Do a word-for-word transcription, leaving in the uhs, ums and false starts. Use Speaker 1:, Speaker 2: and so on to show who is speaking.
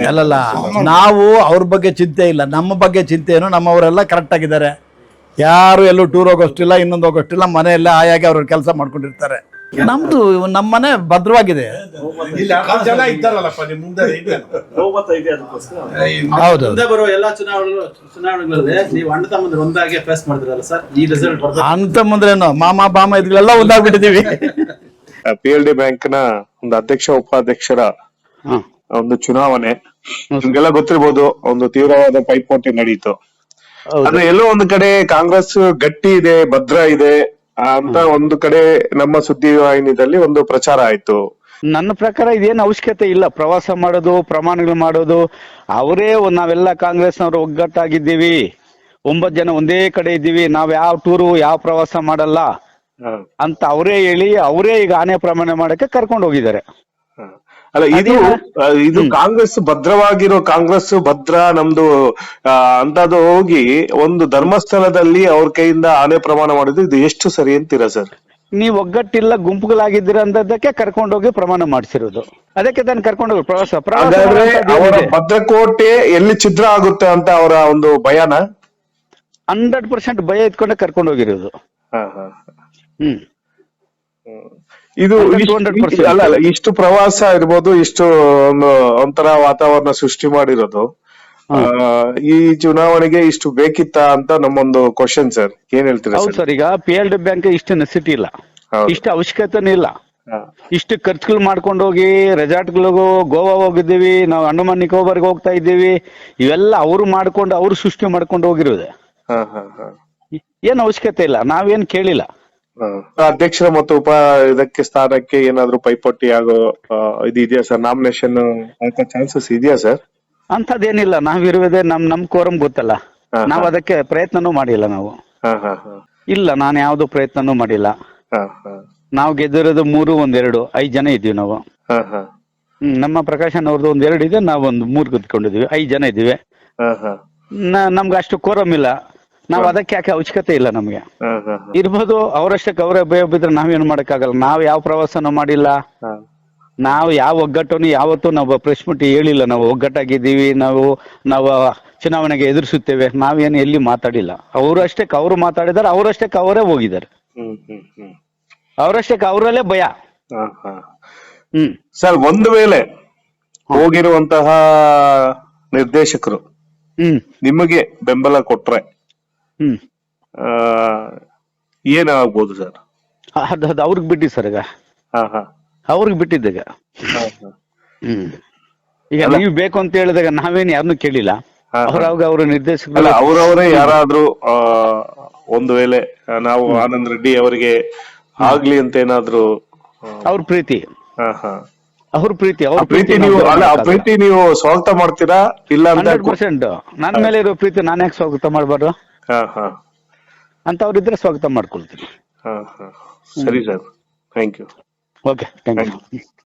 Speaker 1: ಅಲ್ಲಲ್ಲ, ನಾವು ಅವ್ರ ಬಗ್ಗೆ ಚಿಂತೆ ಇಲ್ಲ, ನಮ್ಮ ಬಗ್ಗೆ ಚಿಂತೆ ಏನು, ನಮ್ಮವರೆಲ್ಲ ಕರೆಕ್ಟ್ ಆಗಿದ್ದಾರೆ. ಯಾರು ಎಲ್ಲೂ ಟೂರ್ ಹೋಗೋಷ್ಟಿಲ್ಲ, ಇನ್ನೊಂದು ಹೋಗೋಷ್ಟಿಲ್ಲ, ಮನೆಯಲ್ಲೇ ಆಯಾಗಿ ಅವ್ರ ಕೆಲಸ ಮಾಡ್ಕೊಂಡಿರ್ತಾರೆ. ನಮ್ದು ನಮ್ಮ ಮನೆ ಭದ್ರವಾಗಿದೆ. ಹೌದು,
Speaker 2: ಮುಂದೆ ಬರುವ ಎಲ್ಲಾ ಚುನಾವಣೆ ಚುನಾವಣೆಗಳಲ್ಲಿ ನೀವು ಅಣ್ಣ ತಮ್ಮಂದ್ರೆ ಒಂದಾಗಿ ಫೇಸ್ ಮಾಡಿದ್ರಲ್ಲ ಸರ್, ಈ ರಿಸಲ್ಟ್
Speaker 1: ಅಂತ ಮುಂದ್ರೇನು ಮಾಮ ಬಾಮ ಇದ್ಗಳೆಲ್ಲ ಒಂದಾಗ್ಬಿಟ್ಟಿದೀವಿ.
Speaker 3: ಪಿ ಎಲ್ ಡಿ ಬ್ಯಾಂಕ್ ನ ಒಂದು ಅಧ್ಯಕ್ಷ ಉಪಾಧ್ಯಕ್ಷರ ಒಂದು ಚುನಾವಣೆ ನಿಮ್ಗೆಲ್ಲ ಗೊತ್ತಿರ್ಬೋದು. ಒಂದು ತೀವ್ರವಾದ ಪೈಪೋಟಿ ನಡೀತು. ಆದ್ರೆ ಎಲ್ಲೋ ಒಂದು ಕಡೆ ಕಾಂಗ್ರೆಸ್ ಗಟ್ಟಿ ಇದೆ, ಭದ್ರ ಇದೆ ಅಂತ ಒಂದು ಕಡೆ ನಮ್ಮ ಸುದ್ದಿ ವಾಹಿನಿಯಲ್ಲಿ ಒಂದು ಪ್ರಚಾರ ಆಯ್ತು.
Speaker 4: ನನ್ನ ಪ್ರಕಾರ ಇದೇನು ಅವಶ್ಯಕತೆ ಇಲ್ಲ. ಪ್ರವಾಸ ಮಾಡೋದು, ಪ್ರಮಾಣಗಳು ಮಾಡೋದು, ಅವರೇ ನಾವೆಲ್ಲ ಕಾಂಗ್ರೆಸ್ನವರು ಒಗ್ಗಟ್ಟಾಗಿದ್ದೀವಿ, ಒಂಬತ್ತು ಜನ ಒಂದೇ ಕಡೆ ಇದ್ದೀವಿ, ನಾವ್ ಯಾವ ಟೂರು ಯಾವ ಪ್ರವಾಸ ಮಾಡಲ್ಲ ಅಂತ ಅವರೇ ಹೇಳಿ ಅವರೇ ಈಗ ಆನೆ ಪ್ರಮಾಣ ಮಾಡಕ್ಕೆ ಕರ್ಕೊಂಡು ಹೋಗಿದ್ದಾರೆ.
Speaker 3: ಅಲ್ಲ, ಇದು ಇದು ಕಾಂಗ್ರೆಸ್ ಭದ್ರವಾಗಿರೋ ಕಾಂಗ್ರೆಸ್ ಭದ್ರ ನಮ್ದು ಅಂತದ್ದು ಹೋಗಿ ಒಂದು ಧರ್ಮಸ್ಥಳದಲ್ಲಿ ಅವ್ರ ಕೈಯಿಂದ ಆನೆ ಪ್ರಮಾಣ ಮಾಡಿದ್ರು, ಇದು ಎಷ್ಟು ಸರಿ ಅಂತೀರಾ ಸರ್?
Speaker 4: ನೀವ್ ಒಗ್ಗಟ್ಟಿಲ್ಲ, ಗುಂಪುಗಳಾಗಿದ್ದೀರ ಅಂತದಕ್ಕೆ ಕರ್ಕೊಂಡೋಗಿ ಪ್ರಮಾಣ ಮಾಡಿಸಿರೋದು. ಅದಕ್ಕೆ ತಾನು ಕರ್ಕೊಂಡೋಗಿ ಪ್ರವಾಸ ಪ್ರವಾಸ
Speaker 3: ಅವರ ಭದ್ರಕೋಟೆ ಎಲ್ಲಿ ಛಿದ್ರ ಆಗುತ್ತೆ ಅಂತ ಅವರ ಒಂದು ಭಯನ
Speaker 4: ಹಂಡ್ರೆಡ್ ಪರ್ಸೆಂಟ್ ಭಯ ಇಟ್ಕೊಂಡೆ ಕರ್ಕೊಂಡು ಹೋಗಿರೋದು. ಹ್ಮ್
Speaker 3: ಇದು ಅಲ್ಲ ಅಲ್ಲ ಇಷ್ಟು ಪ್ರವಾಸ ಇರ್ಬೋದು, ಇಷ್ಟು ಒಂದು ಒಂಥರ ವಾತಾವರಣ ಸೃಷ್ಟಿ ಮಾಡಿರೋದು ಈ ಚುನಾವಣೆಗೆ ಇಷ್ಟು ಬೇಕಿತ್ತ ಅಂತ ನಮ್ಮೊಂದು ಕ್ವಶನ್ ಸರ್. ಏನ್ ಹೇಳ್ತೀರಾ?
Speaker 4: ಹೌದು ಸರ್, ಈಗ ಪಿ ಎಲ್ ಡಿ ಬ್ಯಾಂಕ್ ಇಷ್ಟು ನೆಸಿಟಿ ಇಲ್ಲ, ಇಷ್ಟು ಅವಶ್ಯಕತೆನೂ ಇಲ್ಲ. ಇಷ್ಟು ಖರ್ಚುಗಳು ಮಾಡ್ಕೊಂಡು ಹೋಗಿ ರೆಸಾರ್ಟ್ಗಳಿಗೂ ಗೋವಾ ಹೋಗಿದ್ದೀವಿ, ನಾವು ಅಂಡಮಾನ್ ನಿಕೋಬಾರ್ಗೆ ಹೋಗ್ತಾ ಇದ್ದೀವಿ, ಇವೆಲ್ಲ ಅವ್ರು ಮಾಡ್ಕೊಂಡು ಅವ್ರು ಸೃಷ್ಟಿ ಮಾಡ್ಕೊಂಡು ಹೋಗಿರೋದೆ. ಏನ್ ಅವಶ್ಯಕತೆ ಇಲ್ಲ, ನಾವೇನ್ ಕೇಳಿಲ್ಲ.
Speaker 3: ಅಧ್ಯಕ್ಷರ ಮತ್ತು ಉಪ ಇದಕ್ಕೆ ಸ್ಥಾನಕ್ಕೆ ಏನಾದ್ರು ಪೈಪೋಟಿ ಆಗೋ ಇದು ಇದೆಯಾ ಸರ್? ನಾಮಿನೇಷನ್ ಹಾಕೋ ಚಾನ್ಸಸ್ ಇದೆಯಾ ಸರ್?
Speaker 4: ಅಂತದೇನಿಲ್ಲ, ನಾವಿರುವುದೇ ನಮ್ ನಮ್ ಕೋರಂ ಗೊತ್ತಲ್ಲ, ನಾವ್ ಅದಕ್ಕೆ ಪ್ರಯತ್ನನೂ ಮಾಡಿಲ್ಲ ನಾವು. ಇಲ್ಲ, ನಾನು ಯಾವ್ದು ಪ್ರಯತ್ನನೂ ಮಾಡಿಲ್ಲ. ನಾವು ಗೆದ್ದಿರೋದು ಮೂರು ಒಂದೆರಡು ಐದ್ ಜನ ಇದ್ದೀವಿ ನಾವು. ಹ್ಮ್ ನಮ್ಮ ಪ್ರಕಾಶನ್ ಅವ್ರದ್ದು ಒಂದೆರಡು ಇದೆ, ನಾವೊಂದು ಮೂರ್ ಕುತ್ಕೊಂಡಿದೀವಿ, ಐದ್ ಜನ ಇದ್ದೀವಿ. ನಮ್ಗೆ ಅಷ್ಟು ಕೋರಂ ಇಲ್ಲ, ನಾವ್ ಅದಕ್ಕೆ ಯಾಕೆ ಅವಶ್ಯಕತೆ ಇಲ್ಲ ನಮ್ಗೆ. ಇರ್ಬೋದು, ಅವರಷ್ಟಕ್ಕೆ ಅವರೇ ಭಯ ಬಿದ್ರೆ ನಾವೇನು ಮಾಡಕ್ಕಾಗಲ್ಲ. ನಾವ್ ಯಾವ ಪ್ರವಾಸನೂ ಮಾಡಿಲ್ಲ, ನಾವು ಯಾವ ಒಗ್ಗಟ್ಟನ್ನು ಯಾವತ್ತೂ ನಾವು ಪ್ರೆಸ್ ಮೀಟ್ ಹೇಳಿಲ್ಲ. ನಾವು ಒಗ್ಗಟ್ಟಾಗಿದ್ದೀವಿ, ನಾವು ನಾವು ಚುನಾವಣೆಗೆ ಎದುರಿಸುತ್ತೇವೆ, ನಾವೇನು ಎಲ್ಲಿ ಮಾತಾಡಿಲ್ಲ. ಅವರಷ್ಟಕ್ಕೆ ಅವರು ಮಾತಾಡಿದಾರೆ, ಅವರಷ್ಟಕ್ಕೆ ಅವರೇ ಹೋಗಿದ್ದಾರೆ, ಅವರಷ್ಟಕ್ಕೆ ಅವರಲ್ಲೇ ಭಯ.
Speaker 3: ಹ್ಮ್ ಸರ್, ಒಂದು ವೇಳೆ ಹೋಗಿರುವಂತಹ ನಿರ್ದೇಶಕರು
Speaker 4: ಹ್ಮ್
Speaker 3: ನಿಮಗೆ ಬೆಂಬಲ ಕೊಟ್ರೆ
Speaker 4: ಹ್ಮ್
Speaker 3: ಏನಾಗ್ಬೋದು ಸರ್?
Speaker 4: ಅದು ಅವ್ರಿಗೆ ಬಿಟ್ಟಿ ಸರ್, ಈಗ ಅವ್ರಿಗೆ ಬಿಟ್ಟಿದ್ದಾಗ. ಹ್ಮ್ ಈಗ ನೀವು ಬೇಕು ಅಂತ ಹೇಳಿದಾಗ ನಾವೇನು ಯಾರನ್ನು ಕೇಳಿಲ್ಲ. ಅವ್ರಾಗ ಅವ್ರ ನಿರ್ದೇಶಕರು
Speaker 3: ಅವರವರೇ ಯಾರಾದ್ರೂ ಒಂದು ವೇಳೆ ನಾವು ಆನಂದ್ ರೆಡ್ಡಿ ಅವರಿಗೆ ಆಗ್ಲಿ ಅಂತ ಏನಾದ್ರು
Speaker 4: ಅವ್ರ ಪ್ರೀತಿ ಅವ್ರ ಪ್ರೀತಿ ಅವ್ರ
Speaker 3: ಪ್ರೀತಿ ನೀವು ಅಲ್ಲ ಆ ಪ್ರೀತಿ ನೀವು ಸ್ವಾಗತ ಮಾಡ್ತೀರಾ? ಇಲ್ಲ
Speaker 4: ಹಂಡ್ರೆಡ್ ಪರ್ಸೆಂಟ್ ನನ್ನ ಮೇಲೆ ಇರೋ ಪ್ರೀತಿ ನಾನು ಯಾಕೆ ಸ್ವಾಗತ ಮಾಡ್ಬಾರ್ದು ಅಂತ ಅವ್ರಿದ್ರೆ ಸ್ವಾಗತ ಮಾಡ್ಕೊಳ್ತೀನಿ.
Speaker 3: ಸರಿ sir, thank you.
Speaker 4: Okay, thank you.